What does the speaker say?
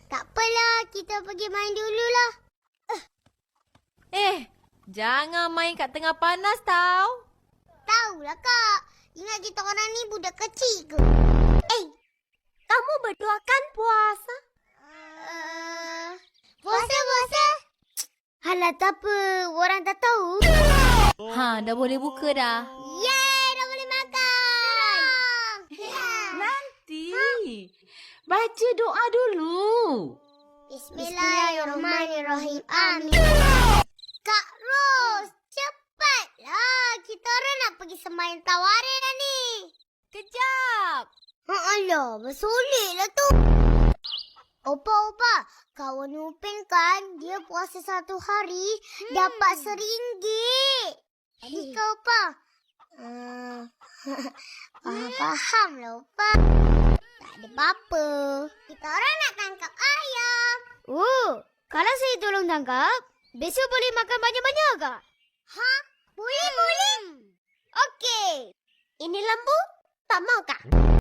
Tak apalah, kita pergi main dululah. Jangan main kat tengah panas tau. Tahulah Kak, ingat kita orang ni budak kecil ke? Kamu berdua kan puasa? Puasa. Halah, tak apa. Orang tak tahu. Dah boleh buka dah. Yeay, dah boleh makan. Nanti. Baca doa dulu. Bismillahirrahmanirrahim. Amin. Kak Ros, cepatlah. Kita orang nak pergi sembahyang tawarin dah ni. Kejap. Alah, bersoleklah tu. Opa, kawan Upin kan, dia puasa 1 hari, dapat RM1. Jadi kau, Opa? Fahamlah, Opa. Tak ada apa-apa. Kita orang nak tangkap ayam. Kalau saya tolong tangkap, besok boleh makan banyak-banyak ke? Boleh. Okey. Ini lembu? Tak mau kah?